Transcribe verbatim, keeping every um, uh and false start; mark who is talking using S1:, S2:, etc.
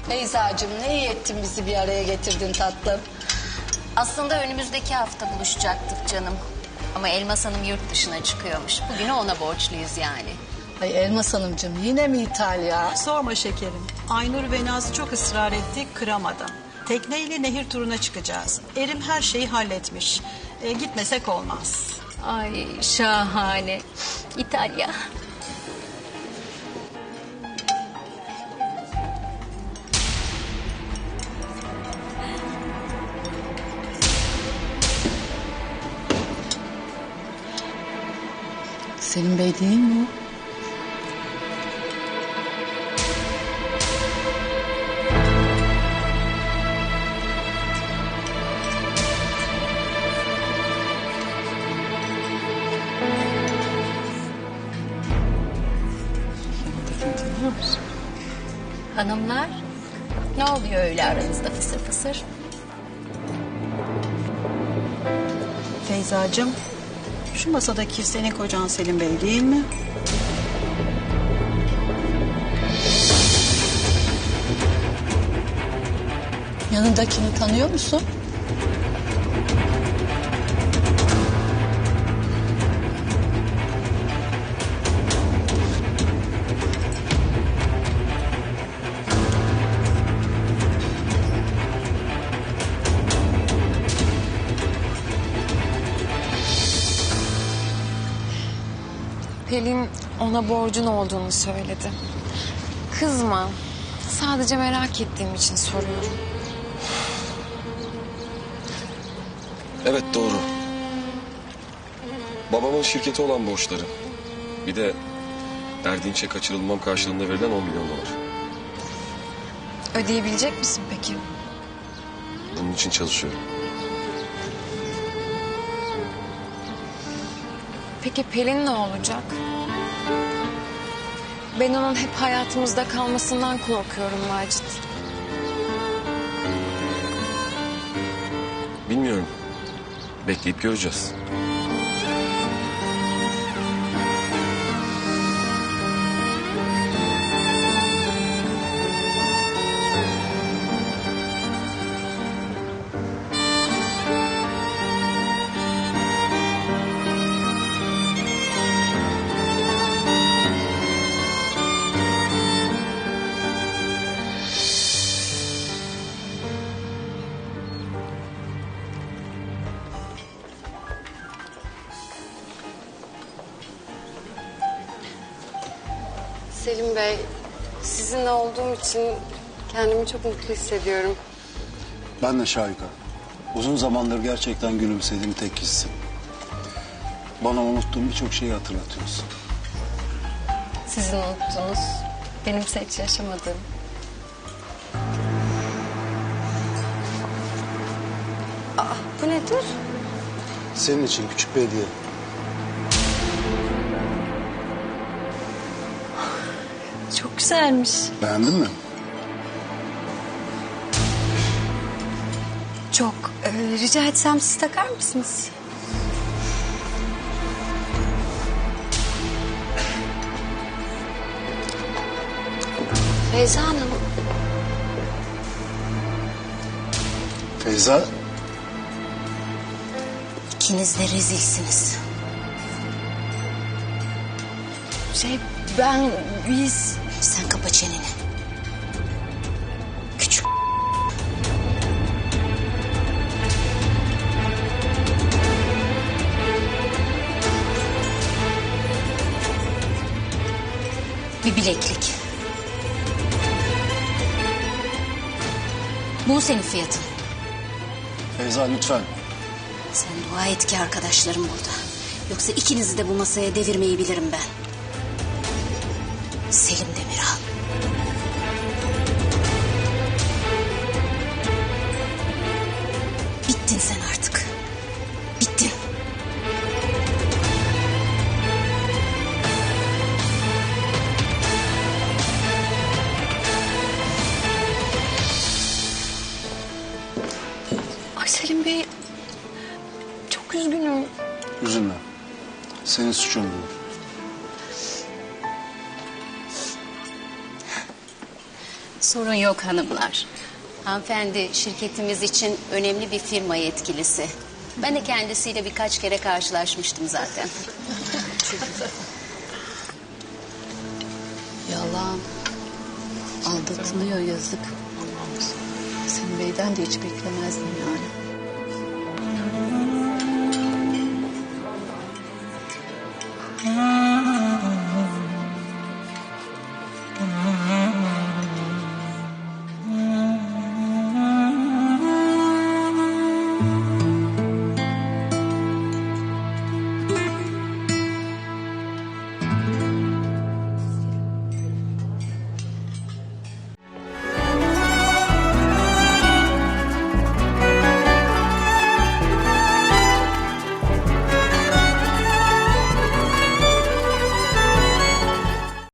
S1: Beyzacığım ne iyi ettin bizi bir araya getirdin tatlım.
S2: Aslında önümüzdeki hafta buluşacaktık canım. Ama Elmas Hanım yurt dışına çıkıyormuş. Bugünü ona borçluyuz yani.
S1: Ay Elmas Hanımcığım yine mi İtalya?
S3: Sorma şekerim. Aynur ve Nazlı çok ısrar etti, kıramadım. Tekneyle nehir turuna çıkacağız. Erim her şeyi halletmiş. E, gitmesek olmaz.
S2: Ay şahane. İtalya.
S1: Selim Bey değil mi o?
S2: Hanımlar, ne oluyor öyle aranızda fısır fısır?
S3: Feyzacığım, şu masadaki senin kocan Selim Bey değil mi?
S1: Yanındakini tanıyor musun?
S4: Pelin ona borcun olduğunu söyledi. Kızma. Sadece merak ettiğim için soruyorum.
S5: Evet doğru. Babamın şirketi olan borçları. Bir de Erdinç'e kaçırılmam karşılığında verilen on milyon dolar.
S4: Ödeyebilecek misin peki?
S5: Bunun için çalışıyorum.
S4: Peki Pelin ne olacak? Ben onun hep hayatımızda kalmasından korkuyorum Macit.
S5: Bilmiyorum. Bekleyip göreceğiz.
S6: Selim Bey, sizinle olduğum için kendimi çok mutlu hissediyorum.
S7: Ben de Şahika. Uzun zamandır gerçekten gülümsediğim tek kişisin. Bana unuttuğum birçok şeyi hatırlatıyorsun.
S2: Sizin unuttuğunuz, benimse hiç yaşamadığım.
S6: Aa, bu nedir?
S7: Senin için küçük bir hediye.
S2: Çok güzelmiş.
S7: Beğendin mi?
S2: Çok. Ee, rica etsem siz takar mısınız?
S6: Feyza Hanım,
S7: Feyza,
S2: İkiniz de rezilsiniz. Şey ben biz... Sen kapa çeneni. Küçük. Bir bileklik. Bu senin fiyatın.
S7: Feyza lütfen.
S2: Sen dua et ki arkadaşlarım burada. Yoksa ikinizi de bu masaya devirmeyi bilirim ben. Selim Demiral. Bittin sen artık. Bittin.
S4: Ay Selim Bey, çok üzgünüm.
S7: Üzülme. Senin suçun değil.
S2: Sorun yok hanımlar. Hanımefendi şirketimiz için önemli bir firma yetkilisi. Ben de kendisiyle birkaç kere karşılaşmıştım zaten.
S1: Yalan. Aldatılıyor yazık. Senin beyden de hiç beklemezdim yani.